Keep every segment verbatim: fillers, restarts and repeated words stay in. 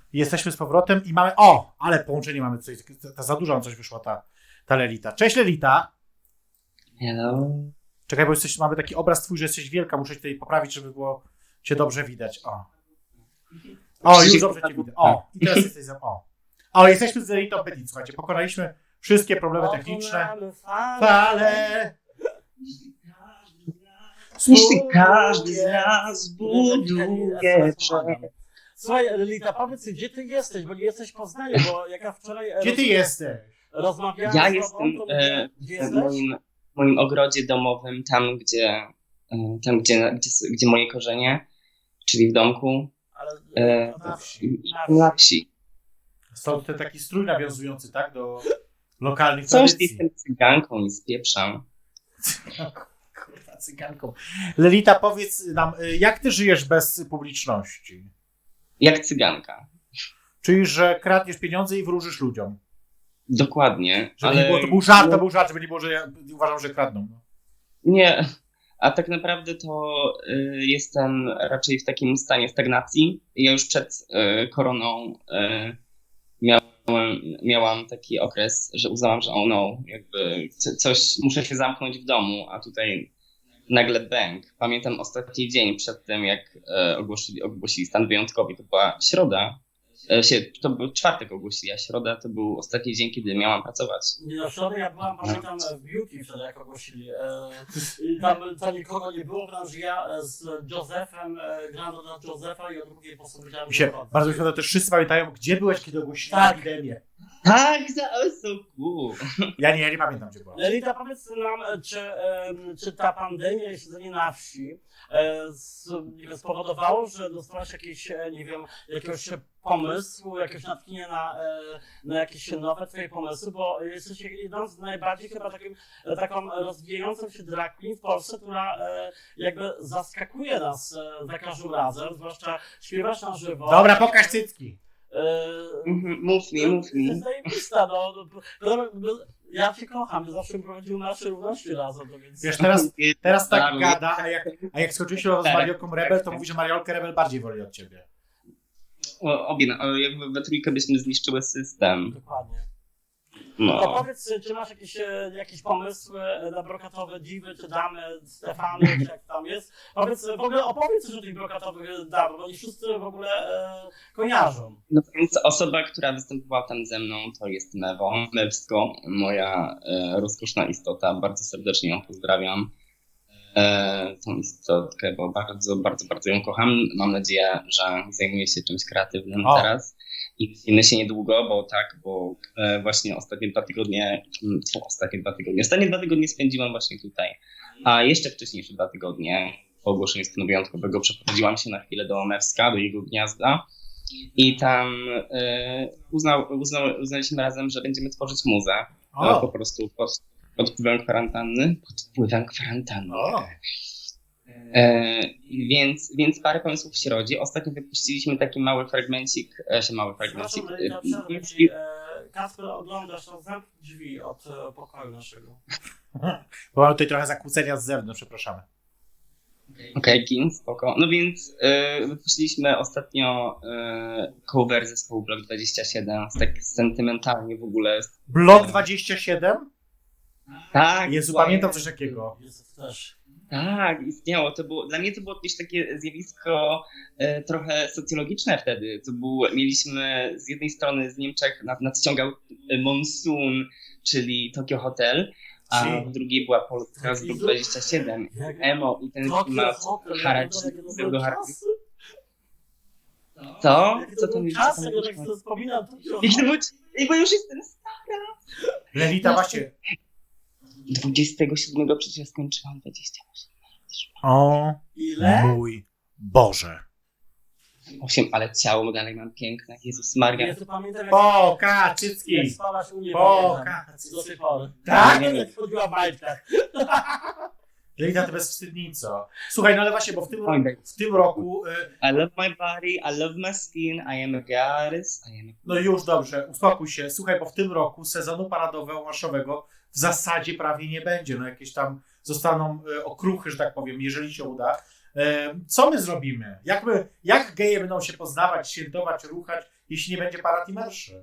Jesteśmy z powrotem i mamy... O! Ale połączenie mamy coś. Ta, za dużo nam coś wyszła ta, ta Lelita. Cześć Lelita! Hello. Czekaj, bo jesteś, mamy taki obraz twój, że jesteś wielka. Muszę cię tutaj poprawić, żeby było cię dobrze widać. O, o już dobrze cię widać. O, i teraz jesteś za... O, o jesteśmy z Lelitą Petit. Słuchajcie, pokonaliśmy wszystkie problemy techniczne. Fale! Jeśli każdy z nas buduje przed... Słuchaj, Lelita, powiedz, gdzie ty jesteś, bo nie jesteś w Poznaniu, bo jak ja wczoraj... Gdzie ty jesteś? Rozmawiałem Ja z jestem tobą, to e, mówię, gdzie w jesteś? moim, moim ogrodzie domowym, tam gdzie, e, tam gdzie, gdzie, gdzie moje korzenie, czyli w domku, Ale, e, na wsi. na wsi. Stąd ten taki strój nawiązujący, tak, do lokalnych Coś tradycji. jestem cyganką i spieprzam. Kurwa, cyganką. Lelita, powiedz nam, jak ty żyjesz bez publiczności? Jak cyganka. Czyli, że kradniesz pieniądze i wróżysz ludziom. Dokładnie. Żeby ale nie było, to był żart, to był żart, żeby nie było, że ja uważam, że kradną. No. Nie, a tak naprawdę to y, jestem raczej w takim stanie stagnacji. Ja już przed y, koroną y, miałem, miałam taki okres, że uznałam, że oh no, jakby co, coś, muszę się zamknąć w domu, a tutaj nagle bang. Pamiętam ostatni dzień przed tym, jak y, ogłosili, ogłosili stan wyjątkowy, to była środa. Y, się, to był czwartek ogłosili, a środa to był ostatni dzień, kiedy miałam pracować. Nie, no wczoraj ja byłam, pamiętam, w Beauty wtedy, jak ogłosili. E, i tam, tam nikogo nie było, wręcz ja e, z Josephem, e, grałem dla Josepha i o drugiej postanowiłem Mi się wychodzę. bardzo świetnie też wszyscy pamiętają, gdzie byłeś, kiedy ogłosili Tak. epidemię. Tak, za so cool. Ja nie, ja nie pamiętam, gdzie byłam. Lelita, powiedz nam, czy, e, czy ta pandemia i siedzenie na wsi e, z, nie wiem, spowodowało, że dostałaś jakiś, e, nie wiem, jakiegoś pomysłu, jakieś natchnienie na, e, na jakieś nowe twoje pomysły, bo jesteś jedną z najbardziej chyba takim, e, taką rozwijającą się drag queen w Polsce, która e, jakby zaskakuje nas e, za każdym razem, zwłaszcza śpiewasz na żywo. Dobra, pokaż cycki. E, Mhm, Mów mi, mów To mi. jest zajebista, no. no, no, no, Ja cię kocham, my zawsze prowadzimy nasze równości razem, no więc... Wiesz, teraz, teraz tak Dla mnie- gada, a jak, a jak skończyłeś się z Mariolką Rebel, to mówi, że Mariolkę Rebel bardziej woli od ciebie. O, obie, no, jakby we trójkę byśmy zniszczyły system. Dokładnie. No No. powiedz, czy masz jakieś, e, jakieś pomysły na brokatowe diwy, czy damy Stefany, czy jak tam jest? Powiedz, w ogóle opowiedz coś o tych brokatowych damach, bo nie wszyscy w ogóle e, kojarzą. No więc osoba, która występowała tam ze mną, to jest Mewo, Mewsko, moja e, rozkoszna istota. Bardzo serdecznie ją pozdrawiam. E, tą istotkę, bo bardzo, bardzo, bardzo ją kocham. Mam nadzieję, że zajmuje się czymś kreatywnym O. teraz. I widzimy się niedługo, bo tak, bo e, właśnie ostatnie dwa tygodnie, mm, tfu, ostatnie dwa tygodnie, ostatnie dwa tygodnie spędziłam właśnie tutaj. A jeszcze wcześniejsze dwa tygodnie po ogłoszeniu stanu wyjątkowego przeprowadziłam się na chwilę do Mewska, do jego gniazda. I tam e, uznał, uznał, uznaliśmy razem, że będziemy tworzyć muzę. E, po O, prostu pod, pod wpływem kwarantanny. Pod wpływem kwarantanny. o. E, więc, więc parę pomysłów się rodzi. Ostatnio wypuściliśmy taki mały fragmencik, e, się mały fragmencik. Przepraszam, Lelita, e, przerwę ci. E, Kasper, oglądasz, to zamknij drzwi od e, pokoju naszego. Bo mamy tutaj trochę zakłócenia z zewnątrz, przepraszamy. Okej, okay, spoko. No więc e, wypuściliśmy ostatnio e, cover zespołu Blok dwadzieścia siedem, tak sentymentalnie w ogóle. Blok dwadzieścia siedem? Tak, Jezu, słuchaj, pamiętam coś takiego. Jest też. Tak, istniało. To było, dla mnie to było też takie zjawisko e, trochę socjologiczne wtedy. To był, mieliśmy z jednej strony z Niemczech nad, nadciągał e, Monsoon, czyli Tokyo Hotel, a Czyli- w drugiej była Polska z Blok dwadzieścia siedem. Jak- Emo i ten Tokio klimat Hotel, haracz, jakie to były pseudo-haracz. czasy. Co? Jakie Co to to były mi czasy, jak tak sobie wspominam Tokio Jak to było? Ej, bo już jestem Lelita, właśnie. dwudziestego siódmego przecież skończyłam dwadzieścia osiem. O Ile? mój Boże. osiem, ale ciało dalej mam piękne. Jezus Maria. Ja to pamiętam, jak, Poka, jak cycki. spałaś u mnie Poka, do tej pory. Tak? Jak chodziła w majtkach. Lelita, ty bezwstydnico. Słuchaj, no ale właśnie, bo w tym, Oj, w tym roku... y, I love my body, I love my skin, I am a goddess, I am a... No już dobrze, uspokój się. Słuchaj, bo w tym roku sezonu paradowo-marszowego w zasadzie prawie nie będzie. No jakieś tam zostaną y, okruchy, że tak powiem, jeżeli się uda. E, co my zrobimy? Jak, my, jak geje będą się poznawać, świętować, ruchać, jeśli nie będzie parad i marszy?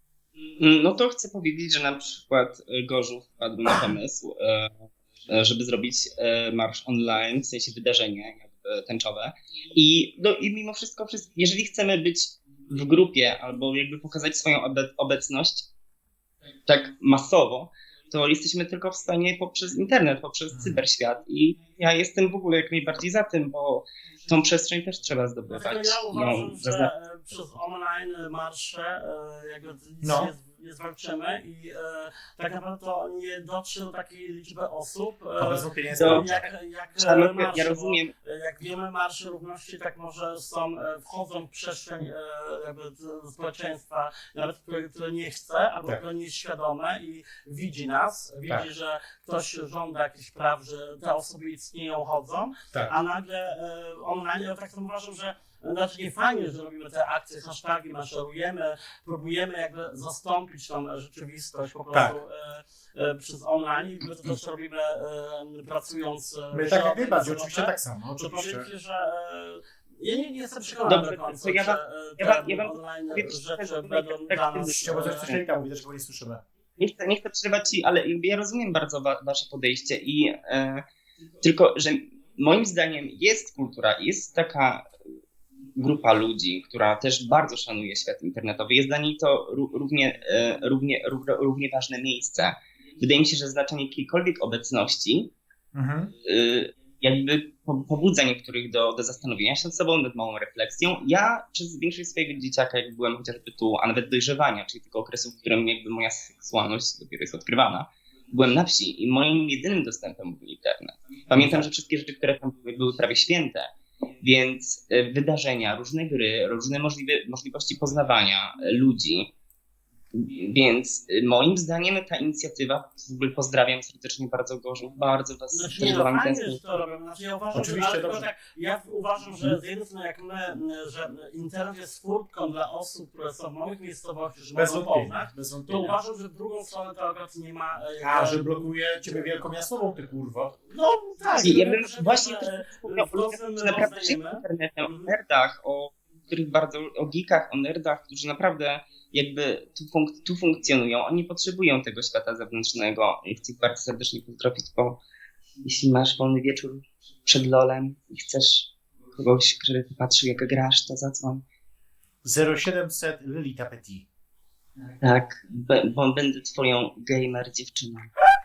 No to chcę powiedzieć, że na przykład Gorzów wpadł na pomysł, e, e, żeby zrobić e, marsz online, w sensie wydarzenie jakby tęczowe. I, no, i mimo wszystko, wszystko, jeżeli chcemy być w grupie albo jakby pokazać swoją obe- obecność tak masowo, to jesteśmy tylko w stanie poprzez internet, poprzez cyberświat. I ja jestem w ogóle jak najbardziej za tym, bo tą przestrzeń też trzeba zdobywać. Dlatego ja uważam, No, że zazna- e, przez online marsze e, jakby nic No. nie, nie zwalczymy i e, tak naprawdę to nie dotrze do takiej liczby osób, To e, bez wątpienia jest to- dobrze. jak, jak Ja, e, marsze, ja bo, rozumiem, e, jak wiemy, marsze równości tak może są, e, wchodzą w przestrzeń e, jakby z- społeczeństwa, nawet które, które nie chce, albo Tak. które nie jest świadome i widzi nas, widzi, Tak. że ktoś żąda jakichś praw, że te osoby istnieją, chodzą, Tak. a nagle e, online, ja tak samo uważam, że znaczy nie fajnie, że robimy te akcje, hashtagi, maszerujemy, próbujemy jakby zastąpić tą rzeczywistość po prostu Tak. e, e, przez online i my to też robimy e, pracując e, My w tak jak środę, najbardziej, w sobotę. oczywiście tak samo, To oczywiście. powiem ci, że e, ja nie, nie jestem przekonany Dobrze, do końca, to ja że wam- e, ja te wam- ja wam online powiem, rzeczy że będą tak- dla nas... Chciałbym coś e, coś Lelita mówi, też go nie słyszymy. nie chcę, nie chcę przerywać ci, ale jakby ja rozumiem bardzo wa- wasze podejście i e, tylko, że moim zdaniem jest kultura, jest taka grupa ludzi, która też bardzo szanuje świat internetowy. Jest dla niej to ró- równie, e, równie, ró- równie ważne miejsce. Wydaje mi się, że znaczenie jakiejkolwiek obecności Mhm. y, jakby po- pobudza niektórych do, do zastanowienia się nad sobą, nad małą refleksją. Ja przez większość swojego dzieciaka, jak byłem chociażby tu, a nawet dojrzewania, czyli tego okresu, w którym jakby moja seksualność dopiero jest odkrywana, byłem na wsi i moim jedynym dostępem był internet. Pamiętam, że wszystkie rzeczy, które tam były, były prawie święte, więc y, wydarzenia, różne gry, różne możliwe, możliwości poznawania y, ludzi. Więc y, moim zdaniem ta inicjatywa, w ogóle pozdrawiam serdecznie bardzo Gorzów, bardzo was Znaczy, też nie, za no, wami fajnie, tęsknię. że to robią. Znaczy, ja uważam, Oczywiście, że, ale dobrze. tylko tak, ja uważam, że z jednej strony jak my, że internet jest furtką dla osób, które są w małych miejscowościach, że Bez mogą wątpienia. poznać, Bez to wątpienia. uważam, że w drugą stronę to akurat nie ma... e, A, jakby- że blokuje ciebie wielkomiastową, ty kurwo. No tak, I ja że- bym że- właśnie że, też e, wspomniał w losem że naprawdę żyję rozdajemy. internetem, o Mhm. nerdach, o których bardzo, o geekach, o nerdach, którzy naprawdę jakby tu, funk- tu funkcjonują. Oni potrzebują tego świata zewnętrznego i chcę ich bardzo serdecznie pozdrowić, bo jeśli masz wolny wieczór przed lolem i chcesz kogoś, który patrzy jak grasz, to zadzwoń. zero siedemset Lelita Petit. Tak, be- bo będę twoją gamer dziewczyną.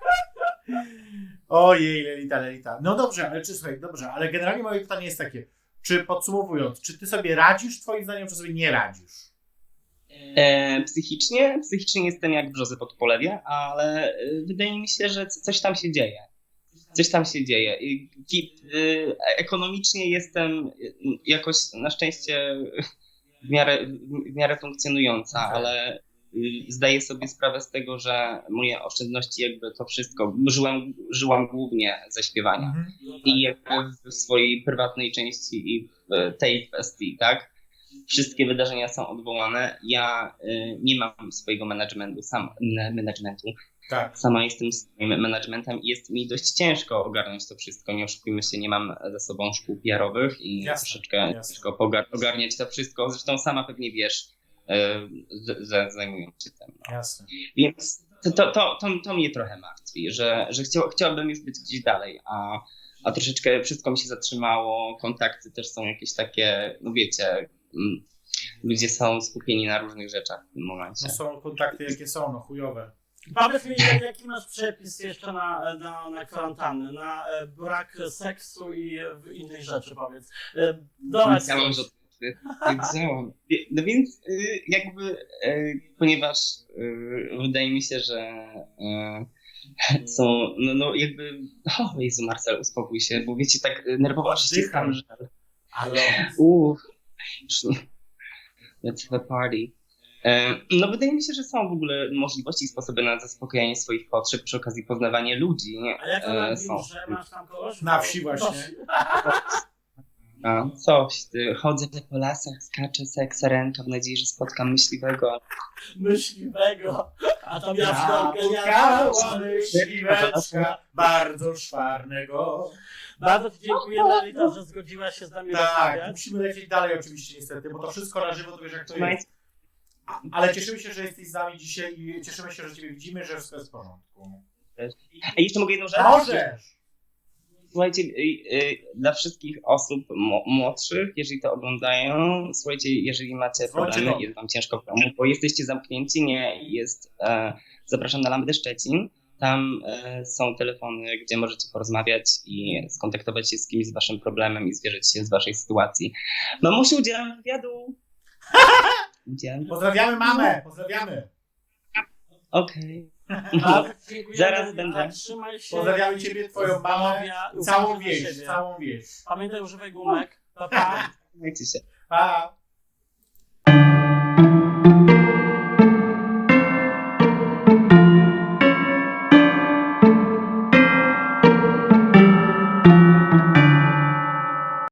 Ojej, Lelita, Lelita. No dobrze, ale czy słuchaj, dobrze, ale generalnie moje pytanie jest takie. Czy podsumowując, czy ty sobie radzisz twoim zdaniem, czy sobie nie radzisz? E, psychicznie, psychicznie jestem jak brzozy pod polewie, ale e, wydaje mi się, że c- coś tam się dzieje. Coś tam się dzieje. I, i, e, ekonomicznie jestem e, jakoś na szczęście w miarę, w miarę funkcjonująca, Okej. ale y, zdaję sobie sprawę z tego, że moje oszczędności jakby to wszystko, żyłem, żyłam głównie ze śpiewania. Mhm. No tak. I jakby w swojej prywatnej części i w tej kwestii, tak? Wszystkie wydarzenia są odwołane. Ja y, nie mam swojego managementu, sam m- managementu. Tak. Sama jestem swoim managementem i jest mi dość ciężko ogarnąć to wszystko. Nie oszukujmy się, nie mam za sobą szkół P R-owych i Jasne, troszeczkę jasne. ciężko pogar- ogarniać to wszystko. Zresztą sama pewnie wiesz, y, z- że zajmuję się tym. No. Jasne. Więc to, to, to, to, to mnie trochę martwi, że, że chciał, chciałbym już być gdzieś dalej, a, a troszeczkę wszystko mi się zatrzymało, kontakty też są jakieś takie, no wiecie, mm, ludzie są skupieni na różnych rzeczach w tym momencie. No są kontakty jakie są, no chujowe. Powiedz mi, jaki masz przepis jeszcze na, na, na kwarantannę, na e, brak seksu i e, innych rzeczy, powiedz. E, Dodać Wiedziałam, coś. że wiedziałam. No więc y, jakby, y, ponieważ y, wydaje mi się, że y, są, no, no jakby, o Jezu Marcel, uspokój się, bo wiecie, tak y, nerwowo się ściskam, że Ale uff, let's have a party. E, No wydaje mi się, że są w ogóle możliwości i sposoby na zaspokojenie swoich potrzeb przy okazji poznawania ludzi. A jak to na E, są. że masz tam kogoś? Na wsi właśnie. A, coś, ty, chodzę po lasach, skaczę seksa ręka w nadziei, że spotkam myśliwego. Myśliwego. A to miała Napotkała myśliweczka bardzo szwarnego. Bardzo Ci dziękujemy, Elita, że zgodziłaś się z nami Tak, rozmawiać. musimy lecieć dalej oczywiście niestety, bo to wszystko na żywo, to wiesz jak to jest. A- Ale cieszymy się, że jesteś z nami dzisiaj i cieszymy się, że Ciebie widzimy, że wszystko jest w porządku. A jeszcze mogę jedną rzecz? Możesz! Słuchajcie, y, y, dla wszystkich osób mo- młodszych, jeżeli to oglądają, słuchajcie, jeżeli macie Dzwońcie problemy, do mnie. jest wam ciężko w domu, bo jesteście zamknięci, nie, jest, e, zapraszam na Lambdę Szczecin, tam e, są telefony, gdzie możecie porozmawiać i skontaktować się z kimś z waszym problemem i zwierzyć się z waszej sytuacji. Mamusiu, udzielam wywiadu. Udzielam. Pozdrawiamy mamę, pozdrawiamy. Okej. Bardzo Ci dziękujemy, Zaraz Elita. będę. Trzymaj się. Pozdrawiamy Ciebie, Twoją mamę Zdrowia, i całą uważaj na wieś, siebie. całą wieś. Pamiętaj, używaj gumek. Pa, pa. Trzymajcie się. Pa!